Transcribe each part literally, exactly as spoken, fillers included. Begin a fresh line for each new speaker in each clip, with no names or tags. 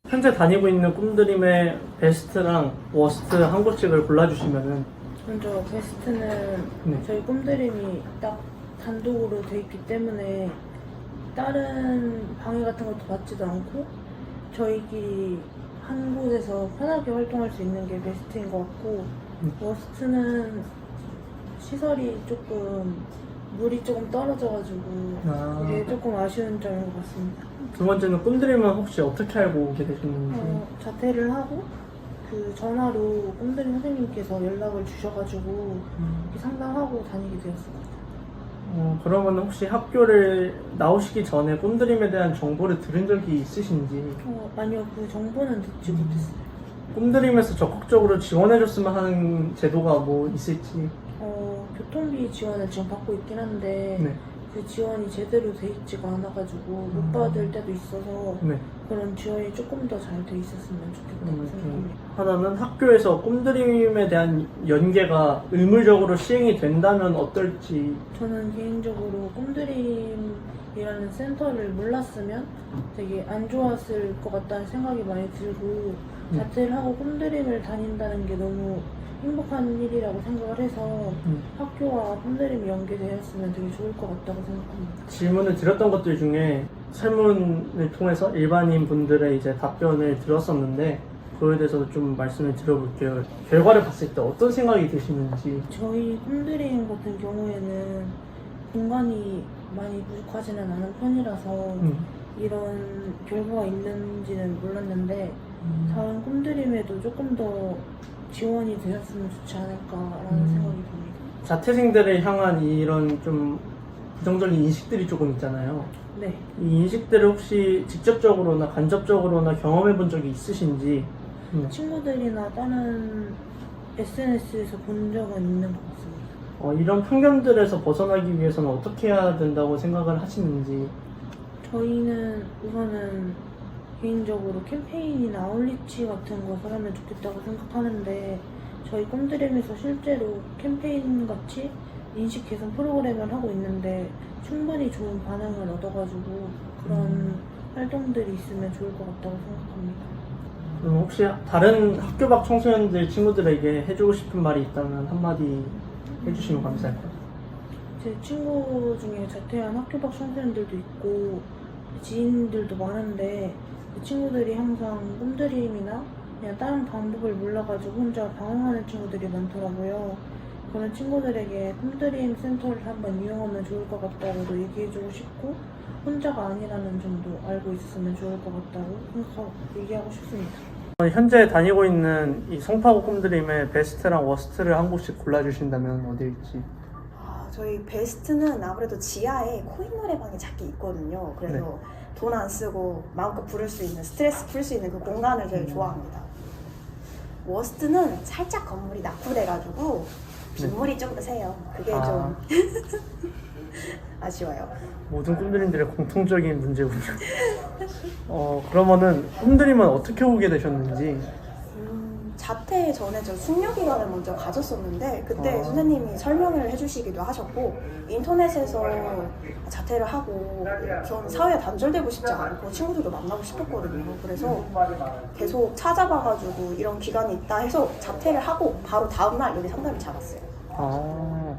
현재 다니고 있는 꿈드림의 베스트랑 워스트 한 곳씩을 골라주시면은.
먼저 베스트는
네.
저희 꿈드림이 딱 단독으로 돼 있기 때문에 다른 방해 같은 것도 받지도 않고 저희끼리 한 곳에서 편하게 활동할 수 있는 게 베스트인 것 같고,
음.
워스트는 시설이 조금 물이 조금 떨어져가지고
아.
그게 조금 아쉬운 점인 것 같습니다.
두 번째는 꿈드림은 혹시 어떻게 알고 오게 되셨는지.
어, 자퇴를 하고 그 전화로 꿈드림 선생님께서 연락을 주셔가지고
음.
이렇게 상담하고 다니게 되었습니다.
어, 그러면 혹시 학교를 나오시기 전에 꿈드림에 대한 정보를 들은 적이 있으신지.
어, 아니요, 그 정보는 듣지
음.
못했어요.
꿈드림에서 적극적으로 지원해줬으면 하는 제도가 뭐 있을지.
어, 교통비 지원을 지금 받고 있긴 한데
네.
그 지원이 제대로 돼 있지가 않아가지고
음.
못 받을 때도 있어서
네.
그런 지원이 조금 더 잘 돼 있었으면 좋겠다고
음,
생각합니다.
하나는 학교에서 꿈드림에 대한 연계가 의무적으로 시행이 된다면 어떨지.
저는 개인적으로 꿈드림이라는 센터를 몰랐으면 되게 안 좋았을 것 같다는 생각이 많이 들고,
음.
자퇴를 하고 꿈드림을 다닌다는 게 너무 행복한 일이라고 생각을 해서
음.
학교와 꿈드림이 연계되었으면 되게 좋을 것 같다고 생각합니다.
질문을 드렸던 것들 중에 설문을 통해서 일반인 분들의 이제 답변을 들었었는데, 그거에 대해서도 좀 말씀을 드려볼게요. 결과를 봤을 때 어떤 생각이 드시는지.
저희 꿈드림 같은 경우에는 공간이 많이 부족하지는 않은 편이라서
음.
이런 결과가 있는지는 몰랐는데
음.
다른 꿈드림에도 조금 더 지원이 되었으면 좋지 않을까라는
음.
생각이 듭니다.
자퇴생들을 향한 이런 좀 부정적인 인식들이 조금 있잖아요.
네.
이 인식들을 혹시 직접적으로나 간접적으로나 경험해 본 적이 있으신지. 네.
친구들이나 다른 에스엔에스에서 본 적은 있는 것 같습니다.
어, 이런 편견들에서 벗어나기 위해서는 어떻게 해야 된다고 생각을 하시는지.
저희는 우선은 개인적으로 캠페인이나 아울리치 같은 것을 하면 좋겠다고 생각하는데, 저희 꿈드림에서 실제로 캠페인 같이 인식 개선 프로그램을 하고 있는데 충분히 좋은 반응을 얻어가지고 그런
음.
활동들이 있으면 좋을 것 같다고 생각합니다.
그럼 혹시 다른 학교 밖 청소년들 친구들에게 해주고 싶은 말이 있다면 한마디 해주시면 감사할 것 같아요.
제 친구 중에 자퇴한 학교 밖 청소년들도 있고 지인들도 많은데, 그 친구들이 항상 꿈드림이나 그냥 다른 방법을 몰라가지고 혼자 방황하는 친구들이 많더라고요. 그런 친구들에게 꿈드림 센터를 한번 이용하면 좋을 것 같다고도 얘기해주고 싶고, 혼자가 아니라는 점도 알고 있었으면 좋을 것 같다고 생각하고 얘기하고 싶습니다.
현재 다니고 있는 이 송파구 꿈드림의 베스트랑 워스트를 한 곳씩 골라주신다면 어디일지.
아, 저희 베스트는 아무래도 지하에 코인 노래방이 작게 있거든요. 그래서
네.
돈 안 쓰고 마음껏 부를 수 있는, 스트레스 풀 수 있는 그 공간을 제일
음.
좋아합니다. 워스트는 살짝 건물이 낙후돼가지고 빗물이 좀 세요. 그게
아.
좀 아쉬워요.
모든 꿈드림들의 공통적인 문제군요. 어, 그러면은 꿈드림은 어떻게 오게 되셨는지.
음, 자퇴 전에 저 숙려 기간을 먼저 가졌었는데 그때
아.
선생님이 설명을 해주시기도 하셨고, 인터넷에서 자퇴를 하고 전 사회에 단절되고 싶지 않고 친구들도 만나고 싶었거든요. 그래서 계속 찾아봐가지고 이런 기간이 있다 해서 자퇴를 하고 바로 다음날 여기 상담을 잡았어요.
아,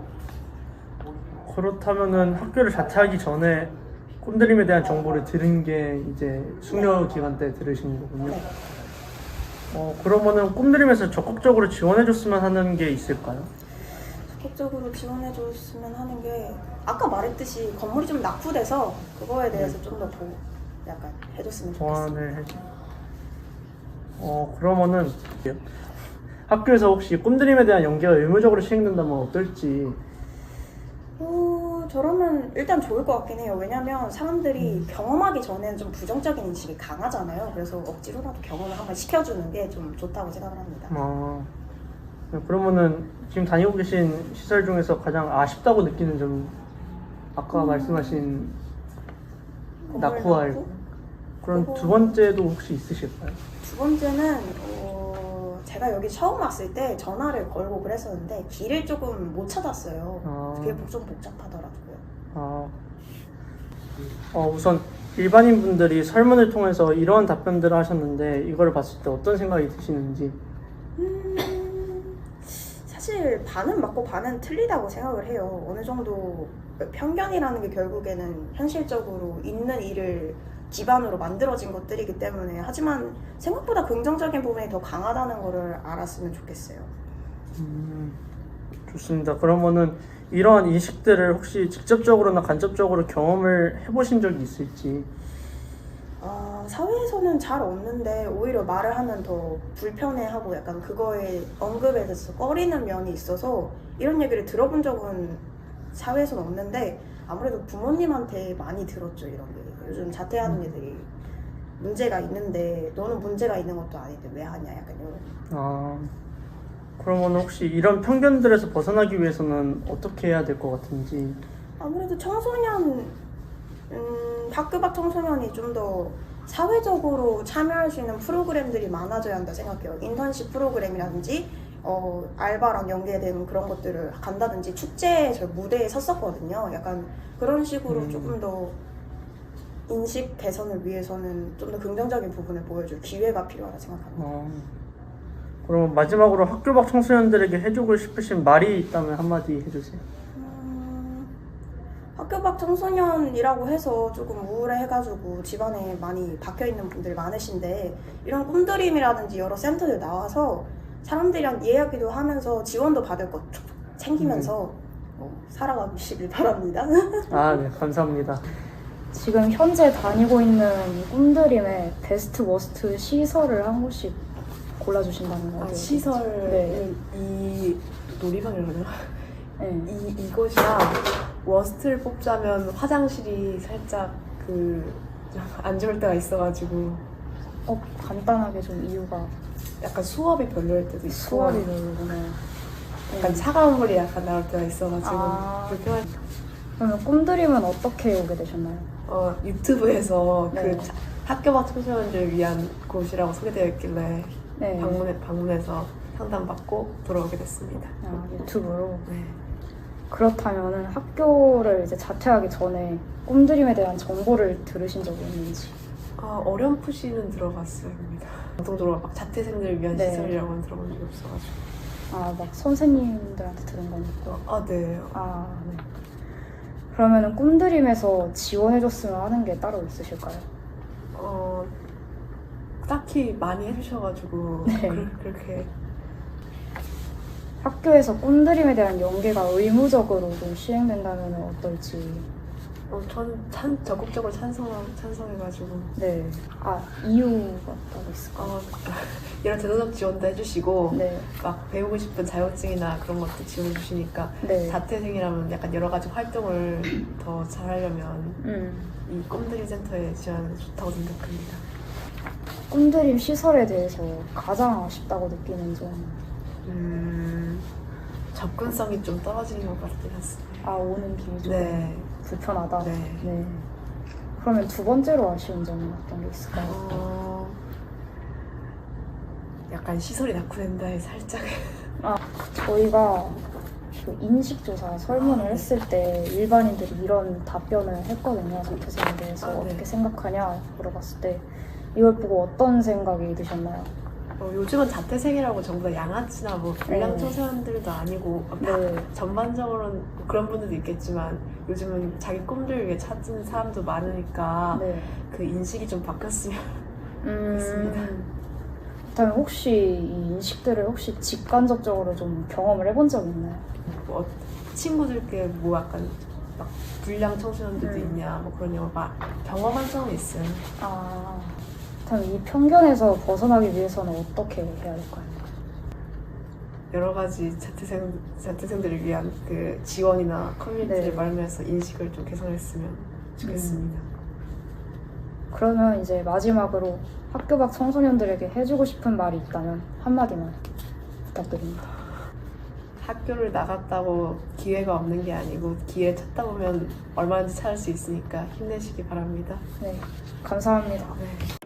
그렇다면은 학교를 자퇴하기 전에 꿈드림에 대한 정보를 들은 게 이제 숙려 기간 때 들으신 거군요.
네.
어, 그러면은 꿈드림에서 적극적으로 지원해줬으면 하는 게 있을까요?
적극적으로 지원해줬으면 하는 게, 아까 말했듯이 건물이 좀 낙후돼서 그거에 대해서 좀 더 보 약간 해줬으면 좋겠어요.
보완을 해줘. 어, 그러면은 학교에서 혹시 꿈드림에 대한 연계가 의무적으로 시행된다면 어떨지.
어, 저라면 일단 좋을 것 같긴 해요. 왜냐면 사람들이 경험하기 전에는 좀 부정적인 인식이 강하잖아요. 그래서 억지로라도 경험을 한번 시켜주는 게 좀 좋다고 생각을 합니다.
아, 그러면은 지금 다니고 계신 시설 중에서 가장 아쉽다고 느끼는 점, 아까
음.
말씀하신
건물
낙후할
낙후?
그런
그거-
두 번째도 혹시 있으실까요?
두 번째는 어, 제가 여기 처음 왔을 때 전화를 걸고 그랬었는데 길을 조금 못 찾았어요.
아.
그게 좀 복잡하더라고요.
아, 어, 우선 일반인 분들이 설문을 통해서 이런 답변들을 하셨는데 이걸 봤을 때 어떤 생각이 드시는지.
음, 사실 반은 맞고 반은 틀리다고 생각을 해요. 어느 정도 편견이라는 게 결국에는 현실적으로 있는 일을 기반으로 만들어진 것들이기 때문에, 하지만 생각보다 긍정적인 부분이 더 강하다는 거를 알았으면 좋겠어요.
음, 좋습니다. 그러면은 이러한 인식들을 혹시 직접적으로나 간접적으로 경험을 해보신 적이 있을지.
아, 사회에서는 잘 없는데 오히려 말을 하면 더 불편해하고 약간 그거에 언급에 대해서 꺼리는 면이 있어서 이런 얘기를 들어본 적은 사회에서는 없는데, 아무래도 부모님한테 많이 들었죠. 이런 게 요즘 자퇴하는 애들이 문제가 있는데 너는 문제가 있는 것도 아닌데 왜 하냐, 약간 이런.
아, 그러면 혹시 이런 편견들에서 벗어나기 위해서는 어떻게 해야 될 것 같은지.
아무래도 청소년, 음, 학교 밖 청소년이 좀 더 사회적으로 참여할 수 있는 프로그램들이 많아져야 한다 생각해요. 인턴십 프로그램이라든지 어, 알바랑 연계된 그런 것들을 간다든지, 축제에 저 무대에 섰었거든요. 약간 그런 식으로
음.
조금 더 인식 개선을 위해서는 좀 더 긍정적인 부분을 보여줄 기회가 필요하다 생각합니다.
아, 그럼 마지막으로 학교 밖 청소년들에게 해주고 싶으신 말이 있다면 한마디 해주세요.
음, 학교 밖 청소년이라고 해서 조금 우울해가지고 집안에 많이 박혀있는 분들 많으신데, 이런 꿈드림이라든지 여러 센터들 나와서 사람들이랑 이야기도 하면서 지원도 받을 것 챙기면서 어, 살아가시길 바랍니다.
아, 네, 감사합니다.
지금 현재 다니고 있는 이 꿈드림의 베스트 워스트 시설을 한 곳씩 골라주신다면
아,
어디?
시설은
네.
이 놀이방이라고요?
네.
이 이곳이랑 워스트를 뽑자면 화장실이 살짝 그 안 좋을 때가 있어가지고
어, 간단하게 좀 이유가
약간 수업이 별로일 때도 있고
수월이 별로구나.
약간 차가운 물이 약간 나올 때가 있어가지고
아.
불편할.
그러면 꿈드림은 어떻게 오게 되셨나요?
어 유튜브에서
네.
그 자- 학교 밖 청소년들을 위한 곳이라고 소개되어 있길래
네.
방문해 방문해서 상담받고 돌아오게 됐습니다.
아, 유튜브로.
네.
그렇다면은 학교를 이제 자퇴하기 전에 꿈드림에 대한 정보를 들으신 적이 있는지.
아, 어렴풋이는 들어갔습니다. 공통적으로 막 자퇴생들을 위한
네.
시설이라고는 들어본 적이 없어가지고.
아, 막 선생님들한테 들은 거니까.
아, 네.
아, 네. 그러면은 꿈드림에서 지원해줬으면 하는 게 따로 있으실까요?
어, 딱히 많이 해주셔가지고
네.
그, 그렇게
학교에서 꿈드림에 대한 연계가 의무적으로 좀 시행된다면 어떨지.
어, 전 찬, 적극적으로 찬성, 찬성해가지고
네. 아, 이유가 따로 있을까요?
어, 이런 재정적 지원도 해주시고
네.
막 배우고 싶은 자격증이나 그런 것도 지원해주시니까
네.
자퇴생이라면 약간 여러 가지 활동을 더 잘하려면
음.
이 꿈드림 센터에 지원하는 게 좋다고 생각합니다.
꿈드림 시설에 대해서 가장 아쉽다고 느끼는 점.
음, 접근성이 좀 떨어지는 것 같긴 했습니다.
아, 오는 길이 좀
네.
불편하다.
네.
네. 그러면 두 번째로 아쉬운 점은 어떤 게 있을까요?
어, 약간 시설이 낙후된다에 살짝.
저희가 그 인식조사 설문을 했을 때 일반인들이 이런 답변을 했거든요. 자퇴생에 대해서
아, 네.
어떻게 생각하냐 물어봤을 때 이걸 보고 어떤 생각이 드셨나요?
어, 요즘은 자퇴생이라고 전부 다 양아치나 뭐 불량
네.
청소년들도 아니고 다
네.
전반적으로는 뭐 그런 분들도 있겠지만 요즘은 자기 꿈들 위해 찾는 사람도 많으니까
네.
그 인식이 좀 바뀌었으면
음,
그렇습니다.
그렇다면 혹시 이 인식들을 혹시 직간접적으로 좀 경험을 해본 적 있나요?
뭐 친구들께 뭐 약간 막 불량 청소년들도
음.
있냐 뭐 그런 영화 경험한 적은 있어요.
아, 그렇다면 이 편견에서 벗어나기 위해서는 어떻게 해야 될까요?
여러 가지 자퇴생 자퇴생들을 위한 그 지원이나 커뮤니티를
네.
마련해서 인식을 좀 개선했으면 좋겠습니다.
그러면 이제 마지막으로 학교 밖 청소년들에게 해주고 싶은 말이 있다면 한마디만 부탁드립니다.
학교를 나갔다고 기회가 없는 게 아니고 기회 찾다 보면 얼마든지 찾을 수 있으니까 힘내시기 바랍니다.
네, 감사합니다.
네.